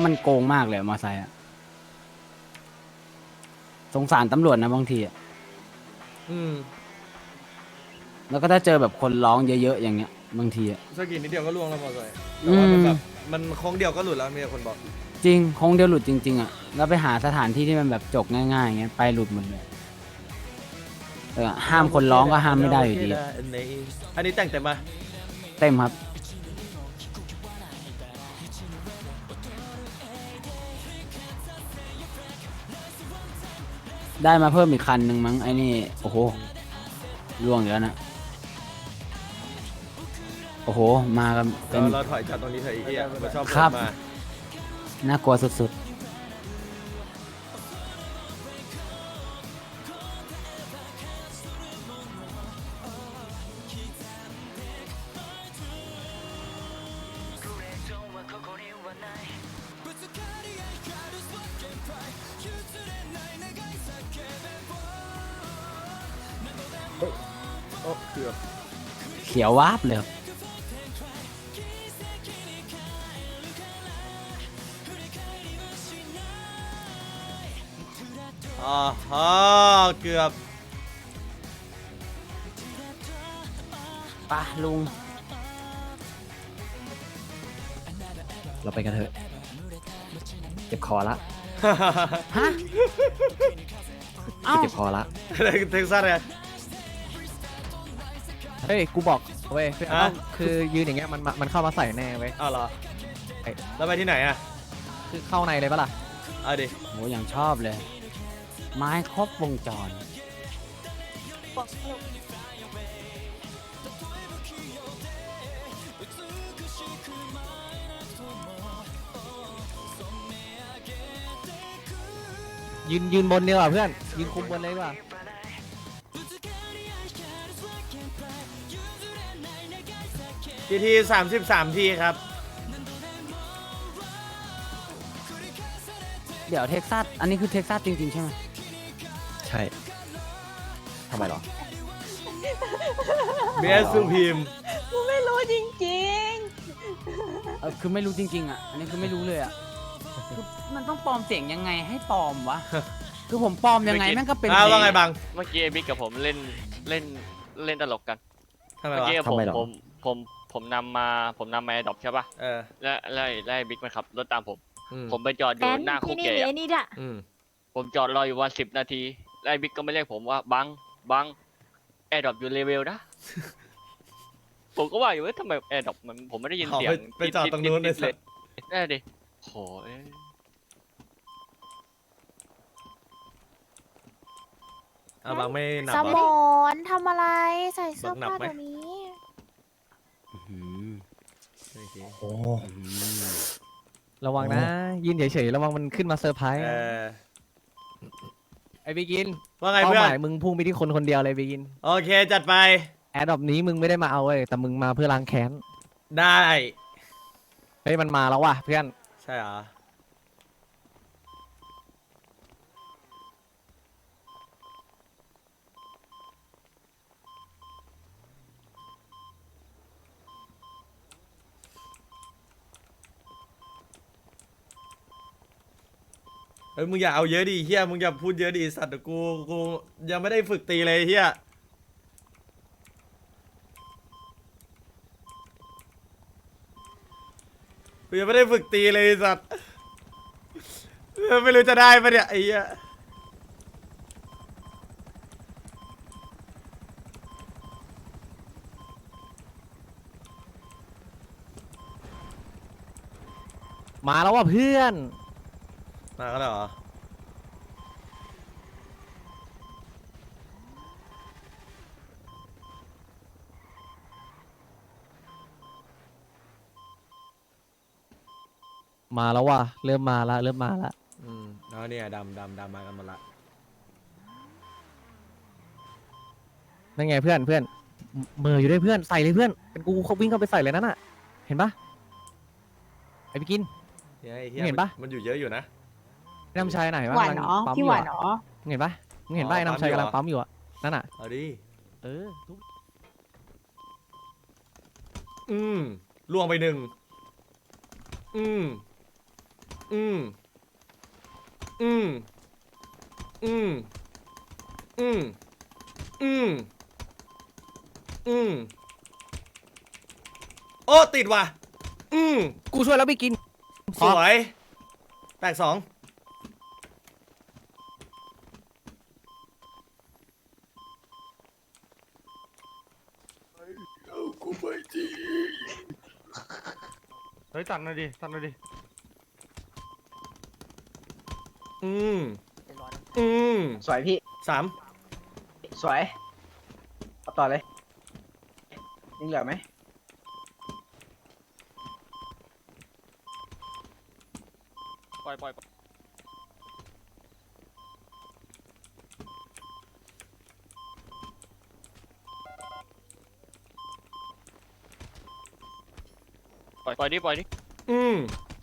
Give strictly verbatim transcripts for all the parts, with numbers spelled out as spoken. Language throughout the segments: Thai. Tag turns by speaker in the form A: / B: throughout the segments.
A: มันโกงมากเลยมอไซค์อะสงสารตำรวจนะบางทีอะ
B: อืม
A: แล้วก็ถ้าเจอแบบคนร้องเยอะๆอย่างเงี้ยบางทีอะ
B: สกินนิดเดียวก็ล่วงแล้วมอไซค์แต่ว่ามันแบบมันโค้งเดียวก็หลุดแล้วมีคนบอก
A: จริงคงเดียวหลุดจริงๆอะแล้วไปหาสถานที่ที่มันแบบจกง่ายๆอย่างเงี้ยไปหลุดหมดเลยแต่ห้ามคนร้องก็ห้ามไม่ได้อยู่ดีอะ
B: อันนี้แต่งเต็มปะ
A: เต็มครับได้มาเพิ่มอีกคันหนึ่งมั้งไอ้นี่โอ้โหล่วงอยู่แล้วนะโอ้โหมากันเป็น
B: เราเราถอยจากตรงนี้เถอะไอ้เหี้ยมันชอบ
A: ครับ
B: มา
A: น่ากลัวสุด
B: โอ้เกือบ
A: ๆเขียววาบเลยครับ
B: อ๋อฮะเกือบ
A: ปะลุง
C: เราไปกันเถอะเจ็บคอละ
A: ฮะเอ้า
C: เจ็บคอละ
B: เท็กซัสเลย
C: เฮ้ยกูบอกเว้ยคือ
B: ฮะ
C: คือยืนอย่างเงี้ยมันมันมันเข้ามาใส่แน่เว้ย
B: อ้าวเหรอ
C: ไอ้
B: แล้วไปที่ไหนอ่ะ
C: คือเข้าในเลยปะล่ะ
B: เอาดิ
A: โหอย่างชอบเลย ไม้ครบวงจร
C: ยืนยืนบนเดียวอ่ะเพื่อนยืนคุมบนเลยดีกว่า
B: ทีทีสามสิบสามทีครับ
A: เดี๋ยวเท็กซัสอันนี้คือเท็กซัสจริงๆใช่ไหม
C: ใช่ทำไมหรอ
B: เบียร์สุพีม
D: กูไม่รู้จริง
A: เออคือไม่รู้จริงๆอ่ะอันนี้คือไม่รู้เลยอ่ะคือมันต้องปลอมเสียงยังไงให้ปลอมวะ คือผมปลอมยังไงแม่งก็เป็น
B: อ้าวว่าไง
A: เพล
B: บัง
E: เมื่อกี้ไอ้บิ๊กกับผมเล่นเล่นเล่นตลกกัน
B: ทำไม
E: เมื่อ
B: วะ
E: กี้ผม
C: ทำไมหรอ
E: ผมผมผมนำมาผมนำมาไอ้ดอกใช่ป่ะ
B: เออ
E: แล้วแล้วแล้วไอ้บิ๊กมันขับรถตามผม
B: อืม
E: ผมไปจอด
D: ๆ
E: อ
D: แก
E: ยู่
D: น
E: หน้าคุ
D: ที่
E: ก
D: นี่
E: เก
D: มี
E: ย์
D: ไอ้นี่ด้วย
B: อืม
E: ผมจอดรออยู่วันสิบนาทีแล้วไอ้บิ๊กก็ไม่เรียกผมว่าบังบังแอร์ดรอปอยู่เลเวลนะ ผมก็ว่าอยู่ว่าทำไมแอร์ดรอปมันผมไม่ได้ยิน
B: เอา
E: เสียง
B: ไปไปจอดตรงนู้นเลย
E: เลยได้ดิโหเอ้ย
B: เอาบังไม่หนับ
D: ส
B: เหร
D: ม
B: อ
D: อนทำอะไร ใส่เสื้อ
B: หนับ
D: ผ้า
B: ไหม
D: เดี๋ยวนี้
A: อื้อหือ
B: โอเค
C: โอ้
A: อื้อหือ
C: ระวังนะยืนเฉยๆระวังมันขึ้นมาเซอร์ไพรส์
B: เอ
C: นะ
B: อ
C: ไอ้บิกิน
B: ว่าไง
C: เป้า
B: เพื่อ
C: หมาน ยมึงพุ่งไปที่คนคนเดียวเลยบิกิน
B: โอเคจัดไป
C: แอดดอปนี้มึงไม่ได้มาเอาเว้ยแต่มึงมาเพื่อล้างแค้น
B: ได้
C: เฮ้ยมันมาแล้วว่ะเพื่อน
B: ใช่เหรอ เฮ้ยมึงอย่าเอาเยอะดิเฮียมึงอย่าพูดเยอะดิสัตว์เดี๋ยวกูกูยังไม่ได้ฝึกตีเลยเฮียกูยังไม่ได้ฝึกตีเลยสัตว์ไม่รู้จะได้ปะเนี่ยไอ้เหี้ย
C: มาแล้วว่ะเพื่อน
B: มาก็แล้วเหรอ
C: มาแล้วว่ะเริ่มมาละเริ่มมาละ
B: อืมแล้วเนี่ยดำดำดำมากันหมดละ
C: นั่นไงเพื่อนเพื่อนเมออยู่ด้วยเพื่อนใส่เลยเพื่อนเป็นกูเขาวิ่งเข้าไปใส่เลยนั่นน่ะเห็นปะไอ้บิกิน
B: เฮียไอ้เฮีย
C: เห็นปะ
B: มันอยู่เยอะอยู่นะ
C: ไอ้น้ำชายไหนวะ
D: หวานเนาะ
C: กำลังปั๊ม
D: พี่
C: อยู่
D: หวาน
C: อะ
D: เนาะ
C: มึงเห็นปะมึงเห็นปะไอ้น้ำชายกำลังปั๊มอยู่อะนั่นน่ะ
B: เอาดิ
C: เออทุบ
B: อืมล่วงไปหนึ่งอืม อือืมอืมอืมอืมอืมอืมโอ้ติดว่ะอืม
C: กูช่วยแล้วไปกิน
B: สวยแตกสองเฮ้ยตัดหน่อยดิตัดหน่อยดิอืมอืม
F: สวยพี่
B: สาม
F: สวยเอาต่อเลยยังเหลือไหม
E: ปล่อยปล่อยปล่อยปล่อยปล่อยดิปล่อยดิ
B: อืม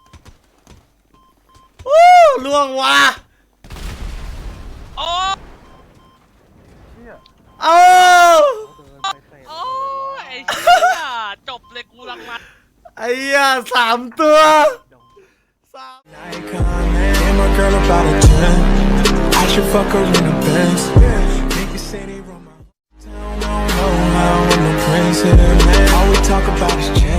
B: วู้ล่วงว่ะ
E: โอ้
B: เอา
E: โอ้ไอ้เชี่ยจบเลยกูรังมัน
B: ไอ้เหี้ยสามตัวสาม
G: Icon, man. And my girl about a ten. I should fuck her in the Benz. Niggas say they run my town. I don't know how I'm the prince here, man. All we talk about is check.